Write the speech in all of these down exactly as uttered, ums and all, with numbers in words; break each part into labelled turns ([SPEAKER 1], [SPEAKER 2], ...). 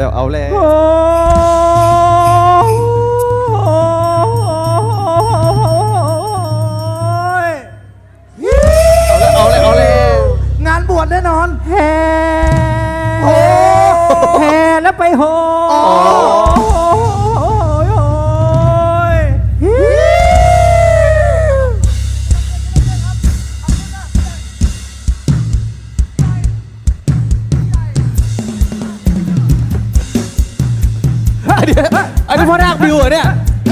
[SPEAKER 1] แล้วเอาแล้วเอาแล้วเอาแล้ว
[SPEAKER 2] งานบวชแน่นอน
[SPEAKER 3] แห่แห่แล้วไปโห
[SPEAKER 1] อันนี้พ่อนาคบิวเหรอเนี่ย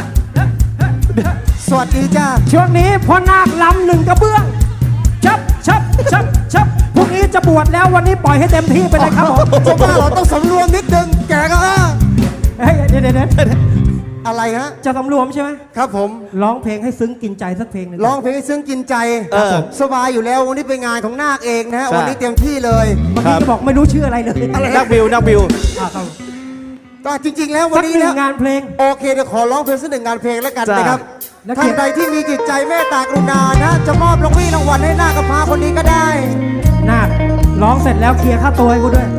[SPEAKER 2] สวัสดีจ้า
[SPEAKER 3] ช่วงนี้พ่อนาคลำหนึ่งกระเบื้องชับชับชับชับพรุ่งนี้จะบวชแล้ววันนี้ปล่อยให้เต็มที่ไปเลยครับผม
[SPEAKER 2] จะว่าเราต้องสำรวมนิดนึงแกก็
[SPEAKER 3] เฮ้ยเดี๋ยวเดี๋ยว
[SPEAKER 2] อะไรฮะ
[SPEAKER 3] จะสำรวมใช่ไหม
[SPEAKER 2] ครับผม
[SPEAKER 3] ร้องเพลงให้ซึ้งกินใจสักเพลงหนึ่ง
[SPEAKER 2] ร้องเพลงให้ซึ้งกินใจสบายอยู่แล้ววันนี้เป็นงานของนาคเองนะฮะวันนี้เต็มที่เลย
[SPEAKER 3] เมื่อกี้จะบอกไม่รู้ชื่ออะไรเลย
[SPEAKER 1] นักบิวนักบิว
[SPEAKER 2] ก็จริงๆแล้ววันนี้
[SPEAKER 3] แล้วงานเพลง
[SPEAKER 2] โอเคเดี๋ยวขอร้องเพลงสักหนึ่งงานเพลงแล้วกันนะครับท่านใดที่มีจิตใจเมตตากรุณานะจะมอบรางวีรางวัลให้นาคกับพาคนนี้ก็ได้
[SPEAKER 3] นาคร้องเสร็จแล้วเคลียร์ค่าตัวให้กูด้วย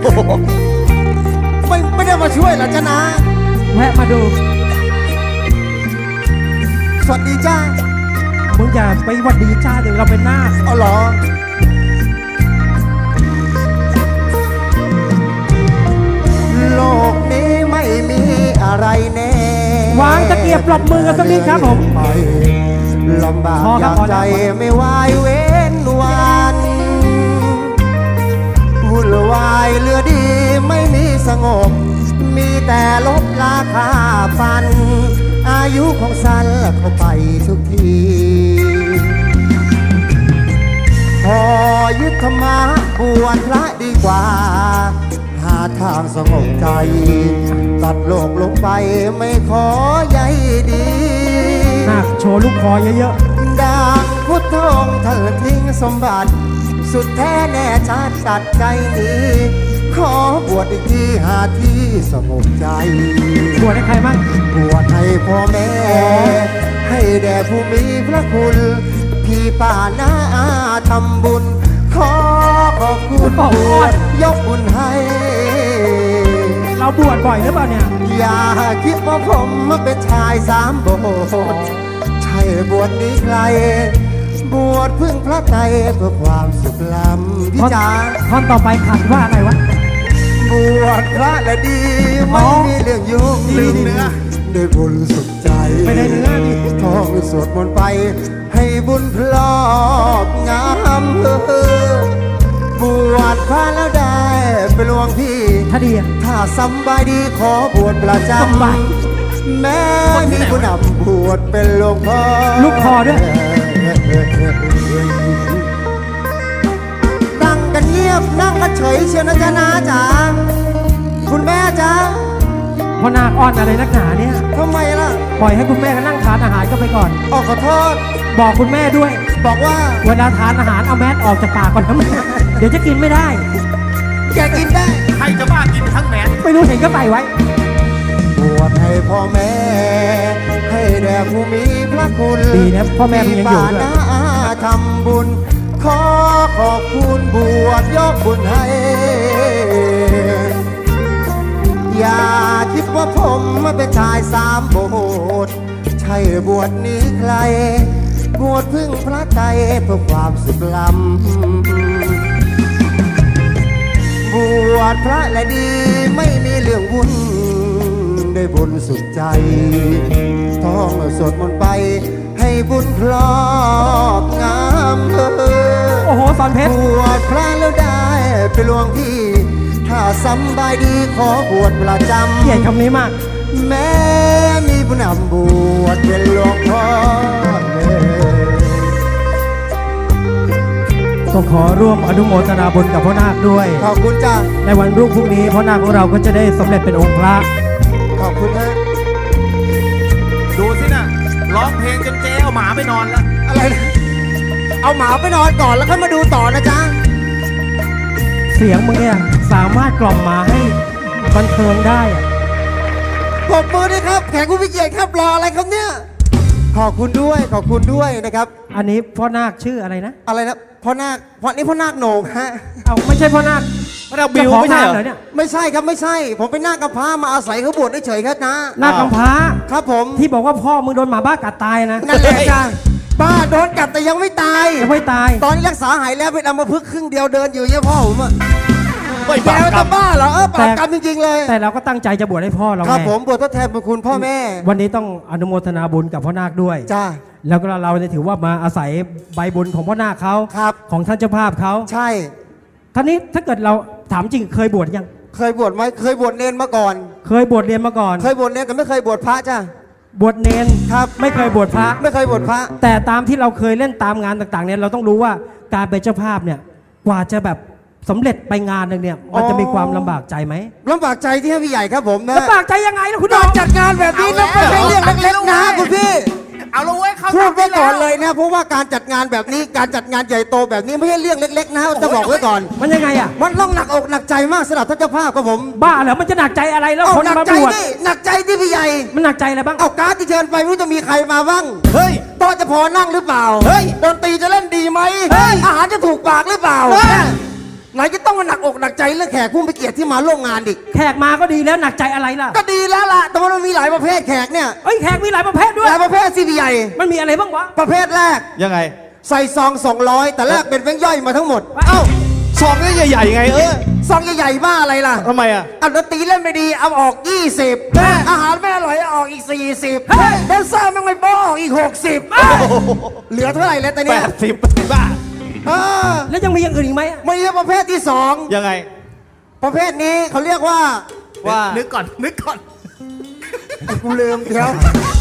[SPEAKER 2] ไม่ไม่ได้มาช่วยหรอจ๊ะนะ
[SPEAKER 3] แวะมาดู
[SPEAKER 2] สวัสดีจ้า
[SPEAKER 3] มึงอย่าไปวัดดีจ้าเดี๋ยวเราเป็นนาค
[SPEAKER 2] อ๋อเหรอโลกนี้ไม่มีอะไรแน่
[SPEAKER 3] วางตะเกียบปลอบมือกันสักนิดครับผม
[SPEAKER 2] ลำบากอยากใจไม่วายเว้นวันวุ่นวายเรือดีไม่มีสงบมีแต่ลบราคาฟันอายุของสันเข้าไปทุกทีพอยึดธรรมะบวชพระดีกว่าหาทางสงบใจตัดโลกลงไปไม่ขอใยดี
[SPEAKER 3] นาคโชว์ลูกคอเยอะ
[SPEAKER 2] ๆดังพุทธองค์เธอทิ้งสมบัติสุดแท้แน่ชัดตัดใจนี้ขอบวชอีกทีหาที่สงบใจ
[SPEAKER 3] บวชให้ใครบ้าง
[SPEAKER 2] บวชให้พ่อแม่ให้แด่ผู้มีพระคุณพี่ป้าน้าทำบุญขอขอบคุณบวชยกบุญให้
[SPEAKER 3] เราบวชบ่อยหรือเปล่าเนี่ย
[SPEAKER 2] อย่าคิดว่าผมเป็นชายสามโบสถ์ใช่บวชนี้ใครบวชพึ่งพระใจเพื่อความสุขล้ำพี่จ๋า
[SPEAKER 3] ท่อนต่อไปขัดว่าอะไรวะ
[SPEAKER 2] บวชพระและดีไม่มีเรื่องยุ่งลืมเนื้อได้บุญสุขใจ
[SPEAKER 3] ไม่ได้เนื้อ
[SPEAKER 2] ท่องสวดมนต์ไปให้บุญพลอกงามเออบวชพระแล้วได้ไปหลวงพี่
[SPEAKER 3] ถ้าดี
[SPEAKER 2] ถ้าสบายดีขอบวชประจำแม้มีผู้นำบวชเป็นหลวงพ่อ
[SPEAKER 3] ลูกคอด้วย
[SPEAKER 2] นั่งกันเงียบนั่งกันเฉยเชียวนะจ๊ะนาจ๋าคุณแม่จ๊ะ
[SPEAKER 3] พ่อนาคอ้อนอะไรนักหนาเนี่ย
[SPEAKER 2] ทำไมล่ะ
[SPEAKER 3] ปล่อยให้คุณแม่ก็นั่งทานอาหารก็ไปก่อน
[SPEAKER 2] อ๋อขอโทษ
[SPEAKER 3] บอกคุณแม่ด้วย
[SPEAKER 2] บอกว่า
[SPEAKER 3] เวลาทานอาหารเอาแมสออกจากปากก่อนนะแม่เดี๋ยวจะกินไม่ได้
[SPEAKER 2] แกกินได้
[SPEAKER 1] ใครจะบ้ากินทั้งแมส
[SPEAKER 3] ไม่รู้เห็นก็ใส่ไว้
[SPEAKER 2] บวชให้พ่อแม่ให้แด่ผู้มีพระคุณ
[SPEAKER 3] ดีนะพ่อแม่ยังอยู่ด้วย
[SPEAKER 2] ทำบุญขอขอบคุณบวชยกบุญให้อย่าคิดว่าผมเป็นชายสามโบสถ์ใช่บวชนี้ใครบวชพึ่งพระใจเพื่อความสุขล้ำบวชพระและดีไม่มีเรื่องวุ่นได้บุญสุดใจท่องสวดมนต์ไปให้บุญพลอกงามเอ
[SPEAKER 3] อโอ้โหสอนเพชร
[SPEAKER 2] บวชพระแล้วได้ไปหลวงพี่ถ้าสบายดีขอบวชประจำ
[SPEAKER 3] เกลียดคำนี้มาก
[SPEAKER 2] แม้มีผู้นำบวชเป็นหลวงพ่อ
[SPEAKER 3] ก็ขอร่วมอนุโมทนาบุญกับพ่อนาคด้วย
[SPEAKER 2] ขอบคุณจ้า
[SPEAKER 3] ในวันรุ่งพรุ่งนี้พ่อนาคของเราก็จะได้สำเร็จเป็นองค์พระ
[SPEAKER 2] ขอบคุณนะ
[SPEAKER 1] ดูสินะร้องเพลงจนเจ๊เอาหมาไปนอนแล้ว
[SPEAKER 2] อะไรเอาหมาไปนอนก่อนแล้วค่อยมาดูต่อนะจ๊ะ
[SPEAKER 3] เสียงมึงเนี่ยสามารถกล่อมหมาให้บันเทิงได้
[SPEAKER 2] ปรบมือด้วยครับแขกผู้มีเกียรติครับรออะไรครับเนี่ยขอบคุณด้วยขอบคุณด้วยนะครับ
[SPEAKER 3] อันนี้พ่อนาคชื่ออะไรนะ
[SPEAKER 2] อะไรนะพ่อนาคพ่อนี่พ่อนาคโหน่งฮะ
[SPEAKER 3] เอาไม่ใช่พ่อนาค
[SPEAKER 1] พระดาวบิว
[SPEAKER 3] เจ้าของ
[SPEAKER 1] ไม่ใช่
[SPEAKER 3] ร้าน
[SPEAKER 1] เหร
[SPEAKER 3] เหร
[SPEAKER 1] อ
[SPEAKER 3] อเนี่ย
[SPEAKER 2] ไม่ใช่ครับไม่ใช่ ผมเป็นหน้ากำพร้ามาอาศัยเขาบวชเฉยๆครับนะ
[SPEAKER 3] หน้ากำพร้า
[SPEAKER 2] ครับผม
[SPEAKER 3] ที่บอกว่าพ่อมึงโดนหมาบ้ากัดตายนะ
[SPEAKER 2] นั่นแหละจ้ะป้าโดนกัดแต่ยังไม่ตาย
[SPEAKER 3] ยังไม่ตาย
[SPEAKER 2] ตอนนี้รักษาหายแล้วเป็นอัมพฤกษ์ครึ่งเดียวเดินอยู่เนี่ยพ่อผมอะ
[SPEAKER 1] ไม่
[SPEAKER 2] แก
[SPEAKER 1] บาปกร
[SPEAKER 2] จะ
[SPEAKER 1] รม
[SPEAKER 2] บ้าเหรอเออปากกรรมจริงๆเลย
[SPEAKER 3] แต่เราก็ตั้งใจจะบวชให้พ่อเรา
[SPEAKER 2] ครับ
[SPEAKER 3] ไง
[SPEAKER 2] ผมบวชทดแทนบุญคุณพ่อแม่
[SPEAKER 3] วันนี้ต้องอนุโมทนาบุญกับพ่อนาคด้วย
[SPEAKER 2] จ้า
[SPEAKER 3] แล้วก็เราเนี่ยถือว่ามาอาศัยใบบุญของพ่อนาคเขา
[SPEAKER 2] ครับ
[SPEAKER 3] ของท่านเจ้าภาพเขา
[SPEAKER 2] ใช่
[SPEAKER 3] ท่านี้ถ้าเกิดเราถามจริงเคยบวชยัง
[SPEAKER 2] เคยบวชไหมเคยบวชเนนมาก่อน
[SPEAKER 3] เคยบวชเรียนมาก่อน
[SPEAKER 2] เคยบวชเนนแต่ไม่เคยบวชพระจ้า
[SPEAKER 3] บวชเนน
[SPEAKER 2] ครับ
[SPEAKER 3] ไม่เคยบวชพระ
[SPEAKER 2] ไม่เคยบวชพระ
[SPEAKER 3] แต่ตามที่เราเคยเล่นตามงานต่างๆเนี่ยเราต้องรู้ว่าการเป็นเจ้าภาพเนี่ยกว่าจะแบบสำเร็จไปงานหนึ่งเนี่ยมันจะมีความลำบากใจไหม
[SPEAKER 2] ลำบากใจที่ให้พี่ใหญ่ครับผมนะ
[SPEAKER 3] ลำบากใจยังไงล่ะคุณ
[SPEAKER 2] การ
[SPEAKER 3] น้อง
[SPEAKER 2] จัดงานแบบนี้นะไม่ใช่เรื่องเล็กๆนะคุณพี่
[SPEAKER 1] เอาละเว้ยเขา
[SPEAKER 2] พูด
[SPEAKER 1] ทำ
[SPEAKER 2] ไว้
[SPEAKER 1] ได้
[SPEAKER 2] ก่อน
[SPEAKER 1] แว
[SPEAKER 2] เลยนะเพราะว่าการจัดงานแบบนี้การจัดงานใหญ่โตแบบนี้ไม่ใช่เรื่องเล็กๆนะจะบอกไว้ก่อน
[SPEAKER 3] มันยังไงอ่ะ
[SPEAKER 2] มันต้องหนักอกหนักใจมากสำหรับท่านเจ้าภาพครับผม
[SPEAKER 3] บ้าเหรอมันจะหนักใจอะไรแล้ว
[SPEAKER 2] เอา
[SPEAKER 3] คน
[SPEAKER 2] หนัก
[SPEAKER 3] มา
[SPEAKER 2] ใจ
[SPEAKER 3] บวช
[SPEAKER 2] นี่หนักใจที่พี่ใหญ่
[SPEAKER 3] มันหนักใจอะไรบ้าง
[SPEAKER 2] เอาการ์ดที่เชิญไปไม่รู้จะมีใครมาบ้าง
[SPEAKER 1] เฮ้ย
[SPEAKER 2] โต๊ะจะพอนั่งหรือเปล่า
[SPEAKER 1] เฮ้ย
[SPEAKER 2] ดนตรีจะเล่นดีไหม
[SPEAKER 1] เฮ้ย
[SPEAKER 2] อาหารจะถูกปากหรือเปล่า
[SPEAKER 1] เฮ้ย
[SPEAKER 2] ไหนจะต้องมาหนักอกหนักใจเรื่องแขกผู้มีเกียรติที่มาร่วมงานอีก
[SPEAKER 3] แขกมาก็ดีแล้วหนักใจอะไรล่ะ
[SPEAKER 2] ก็ดีแล้วล่ะแต่ว่ามันมีหลายประเภทแขกเนี่ย
[SPEAKER 3] เอ้ยแขกมีหลายประเภทด้ว
[SPEAKER 2] ห
[SPEAKER 3] ย
[SPEAKER 2] ลายประเภทสิพี่ใหญ่
[SPEAKER 3] มันมีอะไรบ้างวะ
[SPEAKER 2] ประเภทแรก
[SPEAKER 1] ยังไง
[SPEAKER 2] ใส่ซองสองร้อยแต่แรกเป็นแบงค์ย่อยมาทั้งหมด
[SPEAKER 1] เอ้าซองนี่ใหญ่ๆไงเออ
[SPEAKER 2] ซองใหญ่ๆบ้าอะไรล่ะ
[SPEAKER 1] ทำไมอ่ะ
[SPEAKER 2] อันดนตรีเล่นไม่ดีเอาออกยี่สิบ
[SPEAKER 1] เฮ้ย
[SPEAKER 2] อาหารไม่อร่อยเอาออกอีกสี่สิบ
[SPEAKER 1] เฮ้ย
[SPEAKER 2] แดนเซอร์ไม่ไม่บ้าออกอีกหกสิบเหลือเท่าไหร่แล้วตอน
[SPEAKER 1] แป
[SPEAKER 2] เนี้ย
[SPEAKER 1] ดสิบบ้า
[SPEAKER 2] เออ
[SPEAKER 3] แล้วยังมีอย่างอื่นอีกไหมอะ
[SPEAKER 2] ไม่ใช่ประเภทที่สอง
[SPEAKER 1] ยังไง
[SPEAKER 2] ประเภทนี้เขาเรียกว่า
[SPEAKER 1] ว่า
[SPEAKER 4] นึกก่อน นึกก่อน
[SPEAKER 2] กูลืมเดี๋ยว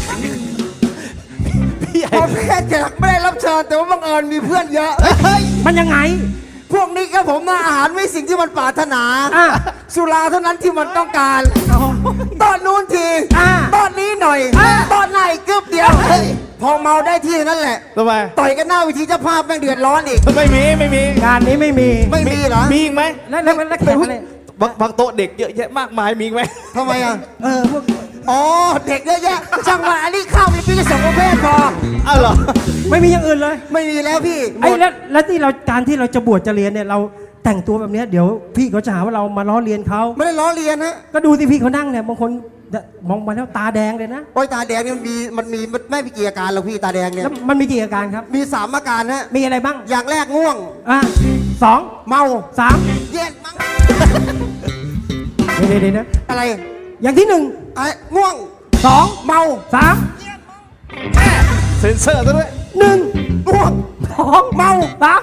[SPEAKER 1] พี่ใหญ่
[SPEAKER 2] ประเภทแขกไม่ได้รับเชิญแต่ว่าบังเอิญมีเพื่อนเยอะ
[SPEAKER 1] เฮ้ย
[SPEAKER 3] มันยังไง
[SPEAKER 2] พวกนี้ครับผมนะอาหารไม่สิ่งที่มันปรารถนา
[SPEAKER 3] อ่ะ
[SPEAKER 2] สุราเท่านั้นที่มันต้องการ
[SPEAKER 3] เอา
[SPEAKER 2] ตอนนู้นที
[SPEAKER 3] อ่ะ
[SPEAKER 2] ตอนนี้หน่อย
[SPEAKER 3] อ่ะ
[SPEAKER 2] ตอนไหนกึบเดียว พอเมาได้ที่นั่นแหละ
[SPEAKER 1] ทำไม
[SPEAKER 2] ต่อยกันหน้าเวิธีเจ้าภาพแม่งเดือดร้อนอีก
[SPEAKER 1] ไม่มีไม่มี
[SPEAKER 3] งานนี้ไม่มี
[SPEAKER 2] ไม่มีเหรอ
[SPEAKER 1] มีอีกไหม
[SPEAKER 3] แล้วแล้วแล้วแขกอะไร
[SPEAKER 1] บางบางโต๊ะเด็กเยอะแยะมากมายมีอีกไหม
[SPEAKER 2] ทำไมอ่ะ
[SPEAKER 3] เออพวก
[SPEAKER 2] อ๋อ เด็กเยอะแยะช่างมันอันนี้ข้าวมีปีละสองประเภทพอ
[SPEAKER 1] อ้าวเหรอ
[SPEAKER 3] ไม่มีอย่างอื่นเลย
[SPEAKER 2] ไม่มีแล้วพี่หม
[SPEAKER 3] ไอ้
[SPEAKER 2] ด
[SPEAKER 3] แล้วแล้วที่เราการที่เราจะบวชจะเรียนเนี่ยเราแต่งตัวแบบเนี้ยเดี๋ยวพี่เขาจะหาว่าเรามาล้อเลียนเขา
[SPEAKER 2] ไม่ได้ล้อเลียนนะ
[SPEAKER 3] ก็ดูสิพี่เขานั่งเนี่ยบางคนมองมาแล้วตาแดงเลยนะ
[SPEAKER 2] โอ้ยตาแดงเนี่ยมันมีมันมีมันไม่มีกี่อาการหรอกพี่ตาแดงเนี่ย
[SPEAKER 3] แล้วมันมีกี่อาการครับ
[SPEAKER 2] มีสามอาการฮะ
[SPEAKER 3] มีอะไรบ้าง
[SPEAKER 2] อย่างแรกง่วง
[SPEAKER 3] อ่ะสอง
[SPEAKER 2] เมา
[SPEAKER 3] สาม
[SPEAKER 2] เย็นมั้ง
[SPEAKER 3] เดี๋ยวเดี๋ยวนะ
[SPEAKER 2] อะไร
[SPEAKER 3] อย่างที่หนึ่ง
[SPEAKER 2] ไอ้ง่วง
[SPEAKER 3] สอง
[SPEAKER 2] เมา
[SPEAKER 3] สาม
[SPEAKER 1] เซ็นเซอร์ซะด้วย
[SPEAKER 3] หนึ่ง
[SPEAKER 2] ง่วง
[SPEAKER 3] สองเมาสาม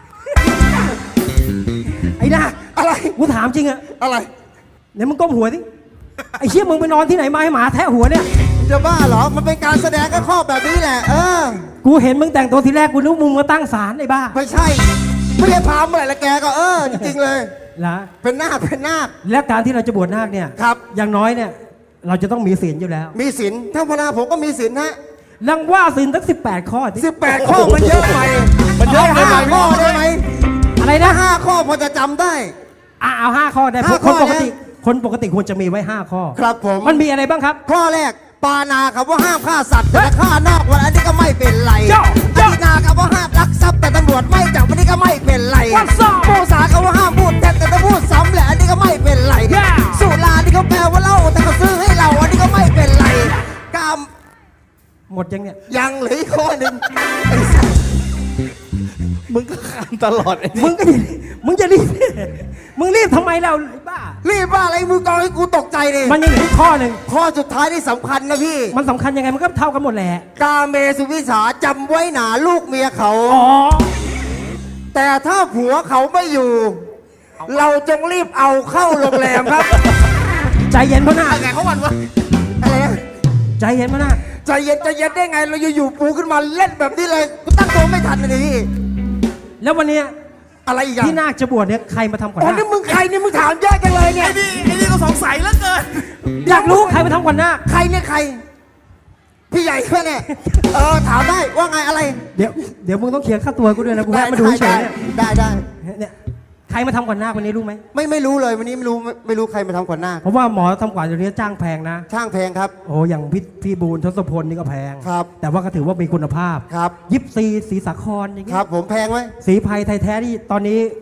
[SPEAKER 3] ไอ้นา
[SPEAKER 2] อะไร
[SPEAKER 3] กูถามจริงอะ
[SPEAKER 2] อะไร
[SPEAKER 3] เดี๋ยวมึงก้มหัวสิไอ้เชี่ยมึงไปนอนที่ไหนมาให้หมาแทะหัวเนี่ย
[SPEAKER 2] จะบ้าเหรอ มันเป็นการแสดงก็ข้อแบบนี้แหละ เออ
[SPEAKER 3] กูเห็นมึงแต่งตัวทีแรกกูนึกมึงมาตั้งศาลไอ้บ้า
[SPEAKER 2] ไม่ใช่ ไม่ได้พาเมื่อไหร่ละแกก็เออ จริงๆเลย
[SPEAKER 3] ละ
[SPEAKER 2] เป็นนาคเป็นนาค
[SPEAKER 3] และการที่เราจะบวชนาคเนี่ย
[SPEAKER 2] ครับ
[SPEAKER 3] อย่างน้อยเนี่ย เราจะต้องมีศีลอยู่แล้ว
[SPEAKER 2] มีศีลถ้าพนาผมก็มีศีลฮะ
[SPEAKER 3] ลังว่าศีลตั้งสิบแปดข้อสิ
[SPEAKER 2] สิบแปดข้อมันเยอะไป
[SPEAKER 1] มันเยอะไป
[SPEAKER 2] า
[SPEAKER 1] ไหม
[SPEAKER 2] ห้าข้อได้ไหม
[SPEAKER 3] อะไร
[SPEAKER 2] ถ้า
[SPEAKER 3] นะ
[SPEAKER 2] ห้าข้อพอจะจำได้
[SPEAKER 3] อ่ะเอาห้าข้อได้
[SPEAKER 2] ห้า
[SPEAKER 3] คน
[SPEAKER 2] ข้อ
[SPEAKER 3] ปกติ
[SPEAKER 2] นะ
[SPEAKER 3] คนปกติควรจะมีไว้ห้าข้อ
[SPEAKER 2] ครับผม
[SPEAKER 3] มันมีอะไรบ้างครับ
[SPEAKER 2] ข้อแรกปานาครับว่าห้ามฆ่าสัตว์แต่ฆ่านอกวันอันนี้ก็ไม่เป็นไร
[SPEAKER 3] เจ้า
[SPEAKER 2] อ
[SPEAKER 3] เจ้า
[SPEAKER 2] ธินาครับว่าห้ามลักทรัพย์แต่ตำรวจไม่จับวันนี้ก็ไม่เป็นไร
[SPEAKER 3] What's up?
[SPEAKER 2] โมสาครับว่าห้ามพูดแทนแต่ถ้าพูดซ้ำแหละอันนี้ก็ไม่เป็นไร
[SPEAKER 3] Yeah
[SPEAKER 2] สุราที่เขาแปลว่าเหล้าแต่เขาซื้อให้เราอันนี้ก็ไม่เป็นไรกาม
[SPEAKER 3] หมดยังเนี่ย
[SPEAKER 2] ยังเหลืออีกข้อหนึ่งไอ้สัส
[SPEAKER 1] มึงก็ขานตลอดไอ้
[SPEAKER 3] มึ
[SPEAKER 1] นี่
[SPEAKER 3] งก็อย่ามึงจะรีบ มึงรีบทำไมเราไอ้บ้า
[SPEAKER 2] รีบว่าอะไรมือกองให้กูตกใจเลย
[SPEAKER 3] มันยังเหลืออีกข้อหนึ่ง
[SPEAKER 2] ข้อสุดท้ายที่สำคัญนะพี่
[SPEAKER 3] มันสำคัญยังไงมันก็เท่ากันหมดแหละ
[SPEAKER 2] กาเมสุวิสาจำไว้หนาลูกเมียเขา
[SPEAKER 3] อ๋อ
[SPEAKER 2] แต่ถ้าผัวเขาไม่อยู่ เราจงรีบเอาเข้าโรงแรมครับ
[SPEAKER 3] ใจเย็นพ่อนาค
[SPEAKER 4] ไงเขาวันวะ
[SPEAKER 2] อะไรนะ
[SPEAKER 3] ใจเย็นพ่อนาค
[SPEAKER 2] ใจเย็นใจเย็นได้ไง เราอยู่ๆปูขึ้นมาเล่นแบบนี้เลยกูตั้งตัวไม่ทันเลยพี่
[SPEAKER 3] แล้ววันเนี้ย
[SPEAKER 2] อะไรอีกอะ
[SPEAKER 3] ที่นาคจะบวชเนี่ยใครมาทำขวัญ
[SPEAKER 2] อ๋อ
[SPEAKER 3] นา
[SPEAKER 2] นี่
[SPEAKER 3] ค
[SPEAKER 2] มึงใครนี่มึงถามเยอะจังเลยเนี่ย
[SPEAKER 4] ไอ้นี่ไอ้นี่ก็สงสัยเหลือเกิน
[SPEAKER 3] อยากรู้ใครมาทำขวัญนาค
[SPEAKER 2] ใครเนี่ยใคร พี่ใหญ่เพื่อนเนี่ยเออถามได้ว่าไงอะไร
[SPEAKER 3] เดี๋ยวเดี๋ยวมึงต้องเคลียร์ค่าตัวกูด้วยนะกูแวะมาดูเฉยๆเนี่ย
[SPEAKER 2] ได้ได้
[SPEAKER 3] เนี่ยใครมาทำขวัญนาควันนี้รู้ไหม
[SPEAKER 2] ไม่ไม่รู้เลยวันนี้ไม่รู้ไม่ไม่รู้ใครมาทำขวัญนาค
[SPEAKER 3] เพราะว่าหมอทำขวัญเดี๋ยวนี้จ้างแพงนะ
[SPEAKER 2] ช่างแพงครับ
[SPEAKER 3] โอ้อย่างพี่พี่บูลทศพลนี่ก็แพง
[SPEAKER 2] ครับ
[SPEAKER 3] แต่ว่าก็ถือว่ามีคุณภาพ
[SPEAKER 2] ครับ
[SPEAKER 3] ยิปซีสีสาครอย่าง
[SPEAKER 2] ค
[SPEAKER 3] เงี้
[SPEAKER 2] รั
[SPEAKER 3] ย
[SPEAKER 2] บผมแพงไหม
[SPEAKER 3] สีไพรไทยแท้ที่ตอนนี้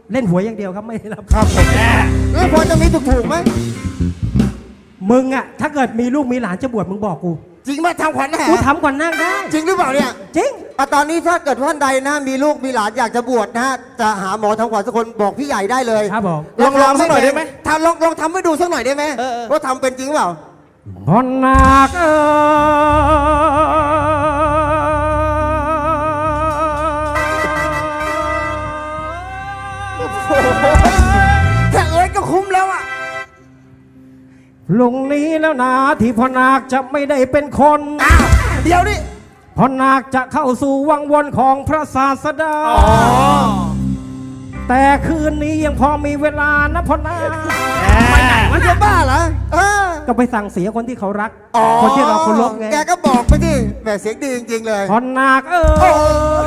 [SPEAKER 3] เล่นหวยอย่างเดียวครับไม่ได้รับ
[SPEAKER 2] ครับผมแล้วพอจะมีถูกๆไหม
[SPEAKER 3] มึงอะถ้าเกิดมีลูกมีหลานจะบวชมึงบอกกู
[SPEAKER 2] จริงไหมทำขวัญแห่
[SPEAKER 3] กูทำก่อนนั่งได้
[SPEAKER 2] จริงหรือเปล่าเนี่ย
[SPEAKER 3] จริง
[SPEAKER 2] อ่ะตอนนี้ถ้าเกิดท่านใดนะมีลูกมีหลานอยากจะบวชนะฮะจะหาหมอทำขวัญสักคนบอกพี่ใหญ่ได้เลย
[SPEAKER 3] ครับผม
[SPEAKER 4] ลองลองสักหน่อยได้ไหม
[SPEAKER 2] ทำลองลองทำให้ดูสักหน่อยได้ไหมว่าทำเป็นจริงหรือเปล่า
[SPEAKER 3] พ่อนาคเออ
[SPEAKER 2] แค่เอ้ยก็คุ้มแล้วอ่ะ
[SPEAKER 3] ลุงนี้แล้วนะที่พ่อนาคจะไม่ได้เป็นคน
[SPEAKER 2] อ้าวเดี๋ยวนี่
[SPEAKER 3] พ่อนาคจะเข้าสู่วังวนของพระศาสดา แต่คืนนี้ยังพอมีเวลานะพ่อนาค
[SPEAKER 2] มันจะบ้าเหรอเออ
[SPEAKER 3] ก็ไปสั่งเสียคนที่เขารัก
[SPEAKER 2] อ๋อ
[SPEAKER 3] คนที่เราเคารพไง
[SPEAKER 2] แกก็บอกไปที่แหมเสียงดีจริงๆเลย
[SPEAKER 3] พ่อนาคเอ
[SPEAKER 2] โอ้
[SPEAKER 3] อ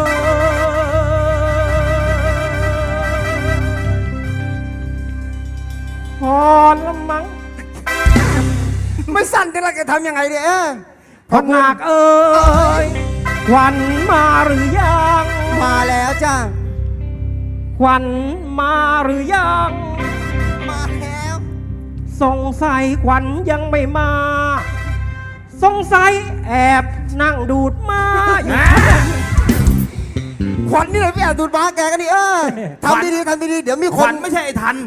[SPEAKER 3] พอละมั้ง
[SPEAKER 2] ไม่สั้นจะละแกทำยังไงเนี่ยเออ
[SPEAKER 3] พ่อนาคเอ้ยขวัญมาหรือยัง
[SPEAKER 2] มาแล้วจ้า
[SPEAKER 3] ขวัญมาหรือยัง
[SPEAKER 2] มาแล้ว
[SPEAKER 3] สงสัยขวัญยังไม่มา สงสัยแอบนั่งดูดมาอยู่
[SPEAKER 2] ขวัญนี่เลยพี่แอบดูดบ้าแกกันนี่เออทำดีๆทำดีๆเดี๋ยวมี
[SPEAKER 4] ข
[SPEAKER 2] ค
[SPEAKER 4] วัน ญไม่ใช่ไอ้ทัน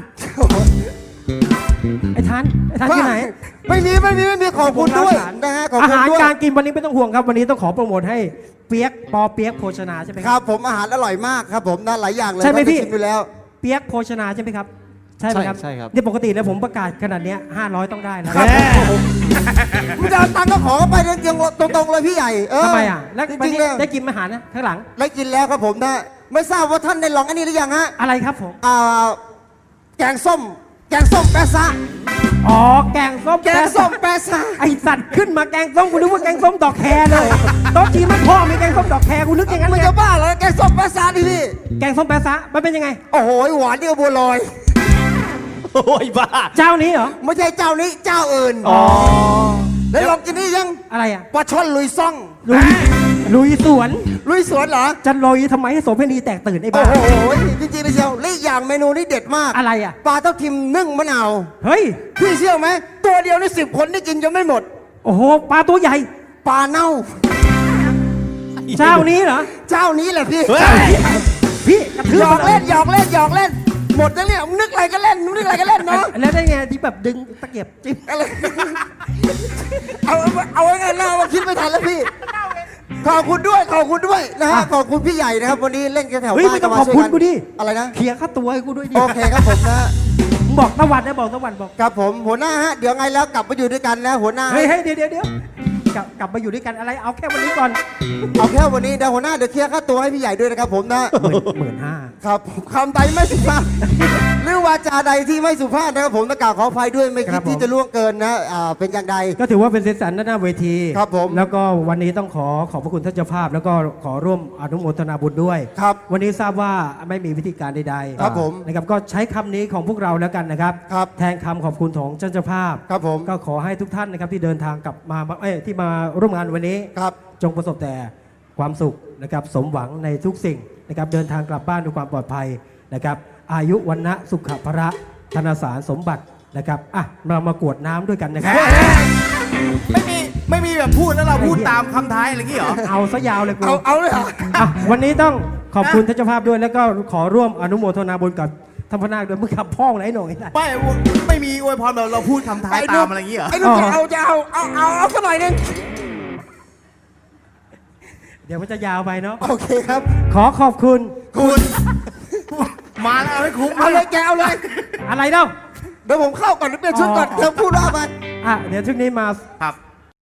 [SPEAKER 3] ไอ้ทันไอ้ทันที่ไหน
[SPEAKER 2] ไม่มีไม่มีไม่มีขอบคุณด้วยนะฮะขอบ
[SPEAKER 3] อา
[SPEAKER 2] คุณ
[SPEAKER 3] หาร
[SPEAKER 2] ด้วย
[SPEAKER 3] การกินวันนี้ไม่ต้องห่วงครับ วันนี้ต้องขอโปรโมทให้เปียกปอเปียกโภชนาใช่ไหม
[SPEAKER 2] ค
[SPEAKER 3] ค
[SPEAKER 2] รั
[SPEAKER 3] รั
[SPEAKER 2] บบ ผมอาหารอร่อยมากครับผมนะหลายอย่างเลย
[SPEAKER 3] ใช่ไหมพี่
[SPEAKER 2] ด้ชิมไปแล้ว
[SPEAKER 3] เปียกโภชนาใช่ไหมครับ ใช่ไหมครับ
[SPEAKER 2] ใช่ครับ
[SPEAKER 3] เนี่ยปกติแล้วผมประกาศขนาดเนี้ห้าร้อยต้องได้นะ
[SPEAKER 2] ครับผมมึงจะเอาตังค์ก็ขอเข้าไปเรื่องเกียงตรงๆเลยพี่ใหญ่เออ
[SPEAKER 3] ทำไมอ่ะแล้ว
[SPEAKER 2] จ
[SPEAKER 3] วัน
[SPEAKER 2] ริงๆ
[SPEAKER 3] นี้
[SPEAKER 2] เลย
[SPEAKER 3] ได้กินอาหารนะข้างหลัง
[SPEAKER 2] ได้กินแล้วครับผมนะไม่ทราบว่าท่านได้ลองอันนี้หรือยังฮะ
[SPEAKER 3] อะไรครับผม
[SPEAKER 2] อ่าแกงส้ม แกงส้มแปะซะ
[SPEAKER 3] อ๋อแกงส้ม
[SPEAKER 2] แกงส้มแปะซะ
[SPEAKER 3] ไอสัตว์ขึ้นมาแกงส้มกูนึกว่าแกงส้มดอกแครเลยโต๊ะจีนมันพ่อมีแกงส้มดอกแครกูนึกอย่างนั้น
[SPEAKER 2] มึง
[SPEAKER 3] ไง
[SPEAKER 2] จะบ้าเหรอแกงส้มแปะซะดิพี่
[SPEAKER 3] แกงส้มแปะซะมันเป็นยังไง
[SPEAKER 2] โอ้โหหวานนี่ก็บัวลอย
[SPEAKER 4] โอ้ยบ้า
[SPEAKER 3] เจ้านี้เหรอ
[SPEAKER 2] ไม่ใช่เจ้านี้เจ้าอื่น
[SPEAKER 4] อ๋อ
[SPEAKER 2] ได้ลองกินนี่ยัง
[SPEAKER 3] อะไรอ่ะ
[SPEAKER 2] ปลาช่อนลุยซ่อง
[SPEAKER 3] ลุยลุยสวน
[SPEAKER 2] ลุยสวนเหรอ
[SPEAKER 3] จะลุยทำไมให้โสเพณีแตกตื่นไอ้
[SPEAKER 2] โอ้
[SPEAKER 3] บ้า
[SPEAKER 2] โหจริงๆเลยเชียวและอีกอย่างเมนูนี้เด็ดมาก
[SPEAKER 3] อะไรอ่ะ
[SPEAKER 2] ปลาเต้าทิมนึ่งมะนาว
[SPEAKER 3] เฮ้ย
[SPEAKER 2] พี่เชื่อไหมตัวเดียวนี่สิบคนนี่กินจนไม่หมด
[SPEAKER 3] โอ้โหปลาตัวใหญ่
[SPEAKER 2] ปลาเน่า
[SPEAKER 3] เจ้านี้เหรอ
[SPEAKER 2] เจ้านี้แหละพี่
[SPEAKER 4] เฮ้ย
[SPEAKER 3] พี่กระทื
[SPEAKER 2] ห
[SPEAKER 3] บ
[SPEAKER 2] ยอกเล่นหยอกเล่นหยอกเล่น หมดแล้วเนี่ยมึงนึกอะไรก็เล่นมึงนึกอะไรก็เล่นเนาะ
[SPEAKER 3] แล้วได้ไงที่แบบดึงตะเกียบจิ้ม
[SPEAKER 2] อะไรเอาเอาไว้ไงเราคิดไม่ทันแล้วพี่ ขอบคุณด้วยขอบคุณด้วยนะฮะขอบคุณพี่ใหญ่นะครับวันนี้เล่นกันแถว
[SPEAKER 3] เฮ้ย
[SPEAKER 2] บ้าน
[SPEAKER 3] ไม่ต้อง
[SPEAKER 2] มา
[SPEAKER 3] ขอบ
[SPEAKER 2] ช่วย
[SPEAKER 3] คุณ
[SPEAKER 2] กัน
[SPEAKER 3] กูดิ
[SPEAKER 2] อะไรนะ
[SPEAKER 3] เคลียร์ค่าตัวให้กูด้วยดิ
[SPEAKER 2] โอเคครับผมนะ
[SPEAKER 3] มึงบอกตะวันนะบอกตะวันบอก
[SPEAKER 2] ครับผมหัวหน้าฮะเดี๋ยวไงแล้วกลับมาอยู่ด้วยกันนะหัวหน้า
[SPEAKER 3] เฮ้ยเฮ้ยเดี๋ยวเดี๋ยวเดี๋ยวกลับกลับมาอยู่ด้วยกันอะไรเอาแค่วันนี้ก่อน
[SPEAKER 2] เอาแค่วันนี้เดี๋ยวหัวหน้าเดี๋ยวเคลียร์ค่าตัวให้พี่ใหญ่ด้วยนะครับผมนะ
[SPEAKER 3] หมื่นหมื่นห้า
[SPEAKER 2] ครับคำใดไม่สุภาพ หรือวาจาใดที่ไม่สุภาพนะครับผมต้องกราบขออภัยด้วยไม่คิดที่จะล่วงเกินนะอ่าเป็นอย่างใด
[SPEAKER 3] ก็ถือว่าเป็นเซสสันด้านหน้าเวที
[SPEAKER 2] ครับผม
[SPEAKER 3] แล้วก็วันนี้ต้องขอขอบพระคุณท่านเจ้าภาพ แล้วก็ขอร่วมอนุโมทนาบุญด้วย
[SPEAKER 2] ครับ
[SPEAKER 3] วันนี้ทราบว่าไม่มีวิธีการใดๆ
[SPEAKER 2] ครับผม
[SPEAKER 3] นะครับก็ใช้คำนี้ของพวกเราแล้วกันนะครับ
[SPEAKER 2] ครับ
[SPEAKER 3] แทนคำขอบคุณของท่านเจ้าภาพ
[SPEAKER 2] ครับผม
[SPEAKER 3] ก็ขอให้ทุกท่านนะครับที่เดินทางกลับมาเอ้ยที่มาร่วมงานวันนี้
[SPEAKER 2] ครับ
[SPEAKER 3] จงประสบแต่ความสุขนะครับสมหวังในทุกสิ่งนะครับเดินทางกลับบ้านด้วยความปลอดภัยนะครับอายุวันนะสุขภระธนสารสมบัตินะครับอ่ะเรามากรวดน้ำด้วยกันนะครับ
[SPEAKER 4] ไม่มีไม่มีแบบพูดแล้วเราพูดตามคำท้ายอะไรอย่างงี้เหรอ
[SPEAKER 3] เอาซะยาวเลยกู
[SPEAKER 2] เอาเอาเลยเหรอ
[SPEAKER 3] อ่ะวันนี้ต้องขอบคุณท่านเจ้าภาพด้วย แล้วก็ขอร่วมอนุโมทนาบุญกับท่านพระนาคด้วยมึงขับพ่องไรหน่อย
[SPEAKER 4] ไม่ไม่มีอวยพรแบบเราพูดคำท้ายตามอะไรอย่างงี้เหรอ
[SPEAKER 2] ไอ้นุ่นจะเอาจะเอาเอาเอาเอาสักหน่อยหนึง
[SPEAKER 3] เดี๋ยวมันจะยาวไปเนาะ
[SPEAKER 2] โอเคครับ
[SPEAKER 3] ขอขอบคุณ
[SPEAKER 4] คุณ มาแล้วเอาให้คุ้ม
[SPEAKER 2] เอาเลยแกเอาเลย
[SPEAKER 3] อะไรเนาะ
[SPEAKER 2] เดี๋ยวผมเข้าก่อนเดี๋ยวเปลี่ยนชุดก่อน
[SPEAKER 3] อ๋อ
[SPEAKER 2] เธอพูดว่าไป
[SPEAKER 3] อ่ะเดี๋ยวชุดนี้มา
[SPEAKER 4] ครับ